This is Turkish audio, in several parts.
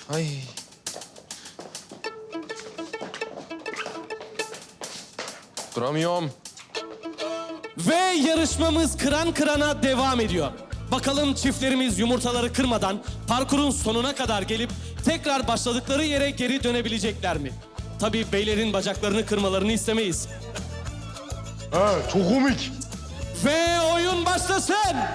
Ay. Duramıyorum. Ve yarışmamız kıran kırana devam ediyor. Bakalım çiftlerimiz yumurtaları kırmadan parkurun sonuna kadar gelip tekrar başladıkları yere geri dönebilecekler mi? Tabii beylerin bacaklarını kırmalarını istemeyiz. Ha, çok komik. Ve oyun başlasın.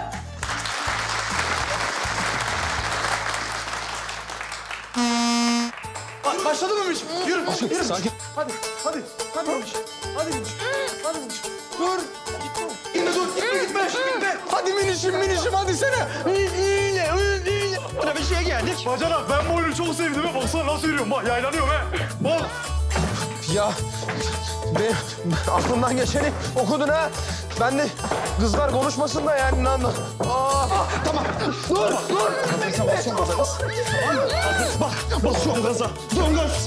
Başladı mı Miş? Yürü, yürü. Sakin. Hadi Miş. Hadi Miş. Hadi Miş. Dur. Gitme dur, gitme. Hadi minişim, hadi sene. İyi. Buna bir şey geldik. Bacanak, ben bu oyunu çok sevdim. Baksana nasıl yürüyorum, bak yaylanıyorum he. Bak. Ya ben aklımdan geçeni okudun ha. Ben de kızlar konuşmasın da yani. Tamam. Dur. Sen basıyorsun gaza. Bak, basıyorum gaza. Dön gaz.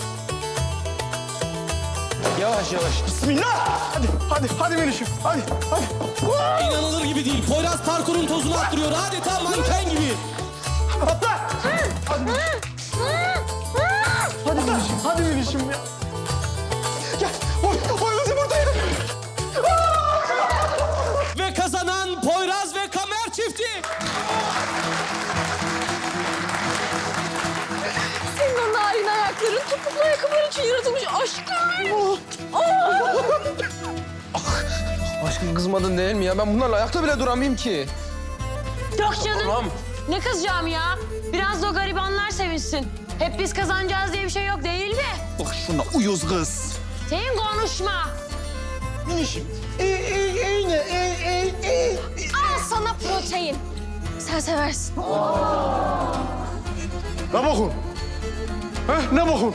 Yavaş. Bismillah. Hadi minişim. Hadi. İnanılır gibi değil. Poyraz parkurun tozunu attırıyor. Adeta manken gibi. Atla. Hadi minişim ya. Gel. Oy kızım buradayım. Ve kazanan Poyraz ve Kamer çifti. Senin o narin ayakların topuklu ayakkabılar için yaratılmış aşkım. Aşkım kızmadın değil mi ya? Ben bunlarla ayakta bile duramayayım ki. Yok canım. Tamam. Ne kızacağım ya? Biraz da o garibanlar sevinsin. Hep biz kazanacağız diye bir şey yok değil mi? Bak şuna uyuz kız. Senin konuşma. Minişim. Al sana protein. Sen seversin. Ne bakın? Ne bakın?